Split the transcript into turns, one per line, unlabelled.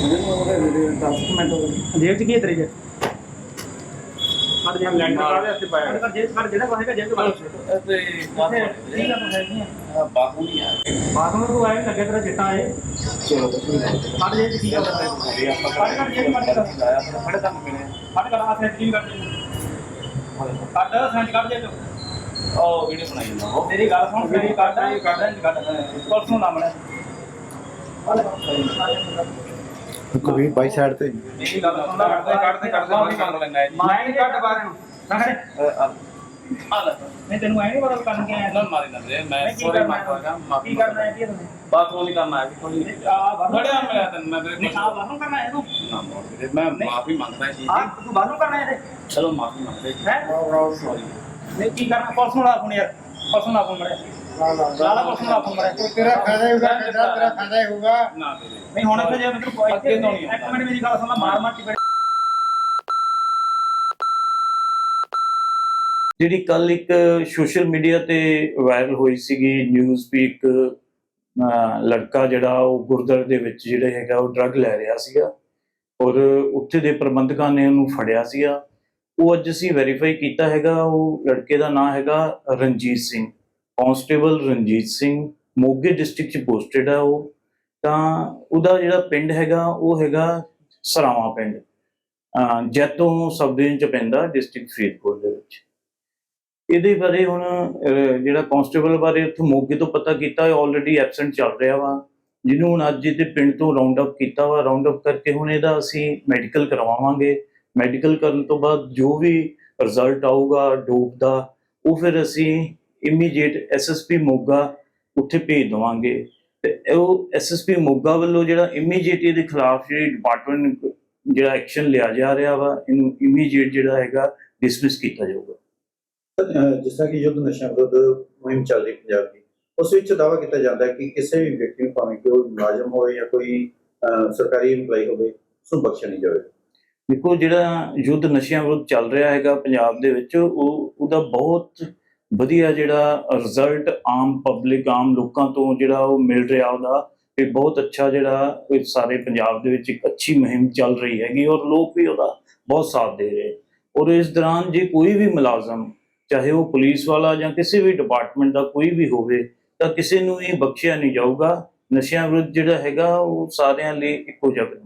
जेब च की है तेरी जेब जेब लैंड मार ऐसे पाया जेब कर जेड़ा कोहेगा जेब के बाहर
ਤੇ
ठीक है तो है नहीं है
ਬਾਹੂ ਨਹੀਂ ਆ
बाथरूम में तू आए लगे तेरा चिट्टा है
ਚਲੋ ਕੁਛ ਨਹੀਂ
काट जेब की है काट जेब काट कर
ਬੜੇ ਕੰਮ ਮਿਲੇ
काट कर आ सेट की कर काट सेंट कर जेब
ਉਹ ਵੀਡੀਓ ਬਣਾਈ ਜਾਂਦਾ ਉਹ
तेरी गल सुन मेरी काट पुलिस नु ना मने
कभी बाई साइड पे
मेरी गल सुन ला
ਕੱਢਦੇ ਬਾਹਰ ਕਰ ਲੈਣਾ
मैं नहीं काट बाहर ना करे
ਆ ਲੈ
नहीं तेनु आए नहीं पता करन के आया
ਨਾ ਮਾਰੀ ਨਾ ਵੀਰੇ ਮੈਂ
की
ਸੋਰੀ
करना
ਮਾਫਾਗਾ
है
ਮਾਫੀ
की करना है की तुमने
ਬਾਥਰੂਮ ਨਹੀਂ ਕਰਨਾ ਹੈ ਕੋਈ
आ बाथरूम
ਬੜਿਆ ਮਿਲਿਆ ਤੈਨੂੰ ਮੈਂ ਵੀਰੇ
नहीं आ बाथरूम करना है तू
ਨਾ ਮੋੜ ਵੀਰੇ ਮੈਂ ਮਾਫੀ ਮੰਗਦਾ ਜੀ
आ तू बाथरूम करना है
ਚਲੋ ਮਾਫੀ ਮੰਗਦੇ ਜੀ
है
ਸੌਰੀ
नहीं की करना पुलिस नु ला फोन यार पुलिस नु ला फोन मरे लाला पुलिस नु ला फोन मरे
तेरा फायदा ही होगा तेरा फायदा ही होगा
ਨਾ ਵੀਰੇ
नहीं होने पे जे मतलब
ਅੱਗੇ ਤੋਂ ਨਹੀਂ
एक मिनट मेरी गल सुन ला मार मार के
ਜਿਹੜੀ ਕੱਲ ਇੱਕ ਸੋਸ਼ਲ ਮੀਡੀਆ ਤੇ ਵਾਇਰਲ ਹੋਈ ਸੀਗੀ ਨਿਊਜ਼ ਵੀ ਇੱਕ ਲੜਕਾ ਜਿਹੜਾ ਉਹ ਗੁਰਦੁਆਰੇ ਦੇ ਵਿੱਚ ਜਿਹੜਾ ਹੈਗਾ ਉਹ ਡਰੱਗ ਲੈ ਰਿਹਾ ਸੀਗਾ ਔਰ ਉੱਥੇ ਦੇ ਪ੍ਰਬੰਧਕਾਂ ਨੇ ਉਹਨੂੰ ਫੜਿਆ ਸੀਗਾ। ਉਹ ਅੱਜ ਅਸੀਂ ਵੈਰੀਫਾਈ ਕੀਤਾ ਹੈਗਾ। ਉਹ ਲੜਕੇ ਦਾ ਨਾਮ ਹੈਗਾ ਰਣਜੀਤ ਸਿੰਘ, ਕਾਂਸਟੇਬਲ ਰਣਜੀਤ ਸਿੰਘ, ਮੋਗੇ ਡਿਸਟ੍ਰਿਕਟ 'ਚ ਪੋਸਟਡ ਆ ਉਹ। ਤਾਂ ਉਹਦਾ ਜਿਹੜਾ ਪਿੰਡ ਹੈਗਾ ਉਹ ਹੈਗਾ ਸਰਾਵਾਂ ਪਿੰਡ, ਜੈਤੋਂ ਸਬ ਡਿਵੀਜ਼ਨ 'ਚ ਪੈਂਦਾ, ਡਿਸਟ੍ਰਿਕਟ ਫਰੀਦਕੋਟ ਦੇ ਵਿੱਚ। ਇਹਦੇ ਬਾਰੇ ਹੁਣ ਜਿਹੜਾ ਕਾਂਸਟੇਬਲ ਬਾਰੇ ਉੱਥੇ ਮੋਗੇ ਤੋਂ ਪਤਾ ਕੀਤਾ, ਆਲਰੇਡੀ ਐਬਸੈਂਟ ਚੱਲ ਰਿਹਾ ਵਾ, ਜਿਹਨੂੰ ਹੁਣ ਅੱਜ ਇਹਦੇ ਪਿੰਡ ਤੋਂ ਰਾਉਂਡ ਅਪ ਕੀਤਾ ਵਾ। ਰਾਉਂਡ ਅਪ ਕਰਕੇ ਹੁਣ ਇਹਦਾ ਅਸੀਂ ਮੈਡੀਕਲ ਕਰਵਾਵਾਂਗੇ। ਮੈਡੀਕਲ ਕਰਨ ਤੋਂ ਬਾਅਦ ਜੋ ਵੀ ਰਿਜ਼ਲਟ ਆਊਗਾ ਡੋਪ ਦਾ, ਉਹ ਫਿਰ ਅਸੀਂ ਇਮੀਡੀਏਟ ਐਸਐਸਪੀ ਮੋਗਾ ਉੱਥੇ ਭੇਜ ਦੇਵਾਂਗੇ। ਤੇ ਉਹ ਐਸਐਸਪੀ ਮੋਗਾ ਵੱਲੋਂ ਜਿਹੜਾ ਇਮੀਡੀਏਟ ਇਹਦੇ ਖਿਲਾਫ ਜਿਹੜੀ ਡਿਪਾਰਟਮੈਂਟ ਜਿਹੜਾ ਐਕਸ਼ਨ ਲਿਆ ਜਾ ਰਿਹਾ ਵਾ, ਇਹਨੂੰ ਇਮੀਡੀਏਟ ਜਿਹੜਾ ਹੈਗਾ ਡਿਸਮਿਸ ਕੀਤਾ ਜਾਊਗਾ।
ਜਿਸ ਤਰ੍ਹਾਂ ਕਿ ਯੁੱਧ ਨਸ਼ਾ ਵਿਰੁੱਧ ਮੁਹਿੰਮ ਚੱਲ ਰਹੀ ਪੰਜਾਬ ਦੀ, ਉਸ ਵਿੱਚ ਦਾਅਵਾ ਕੀਤਾ ਜਾਂਦਾ ਹੈ ਕਿ ਕਿਸੇ ਵੀ ਵਿਅਕਤੀ ਨੂੰ, ਭਾਵੇਂ ਕਿ ਉਹ ਮੁਲਾਜ਼ਮ ਹੋਵੇ ਜਾਂ ਕੋਈ ਸਰਕਾਰੀ ਇੰਪਲਾਈ ਹੋਵੇ, ਉਸਨੂੰ ਬਖਸ਼ਿਆ ਨਹੀਂ ਜਾਵੇਗਾ।
ਦੇਖੋ, ਜਿਹੜਾ ਯੁੱਧ ਨਸ਼ਿਆਂ ਵਿਰੁੱਧ ਚੱਲ ਰਿਹਾ ਹੈਗਾ ਪੰਜਾਬ ਦੇ ਵਿੱਚ, ਉਹਦਾ ਬਹੁਤ ਵਧੀਆ ਜਿਹੜਾ ਰਿਜ਼ਲਟ ਆਮ ਪਬਲਿਕ, ਆਮ ਲੋਕਾਂ ਤੋਂ ਜਿਹੜਾ ਉਹ ਮਿਲ ਰਿਹਾ ਉਹਦਾ, ਇਹ ਬਹੁਤ ਅੱਛਾ ਜਿਹੜਾ ਸਾਰੇ ਪੰਜਾਬ ਦੇ ਵਿੱਚ ਇੱਕ ਅੱਛੀ ਮੁਹਿੰਮ ਚੱਲ ਰਹੀ ਹੈਗੀ ਔਰ ਲੋਕ ਵੀ ਉਹਦਾ ਬਹੁਤ ਸਾਥ ਦੇ ਰਹੇ। ਔਰ ਇਸ ਦੌਰਾਨ ਜੇ ਕੋਈ ਵੀ ਮੁਲਾਜ਼ਮ, ਚਾਹੇ ਉਹ ਪੁਲਿਸ ਵਾਲਾ ਜਾਂ ਕਿਸੇ ਵੀ ਡਿਪਾਰਟਮੈਂਟ ਦਾ ਕੋਈ ਵੀ ਹੋਵੇ, ਤਾਂ ਕਿਸੇ ਨੂੰ ਵੀ ਬਖਸ਼ਿਆ ਨਹੀਂ ਜਾਊਗਾ। ਨਸ਼ਿਆਂ ਵਿਰੁੱਧ ਜਿਹੜਾ ਹੈਗਾ ਉਹ ਸਾਰਿਆਂ ਲਈ ਇੱਕੋ ਜਿਹਾ।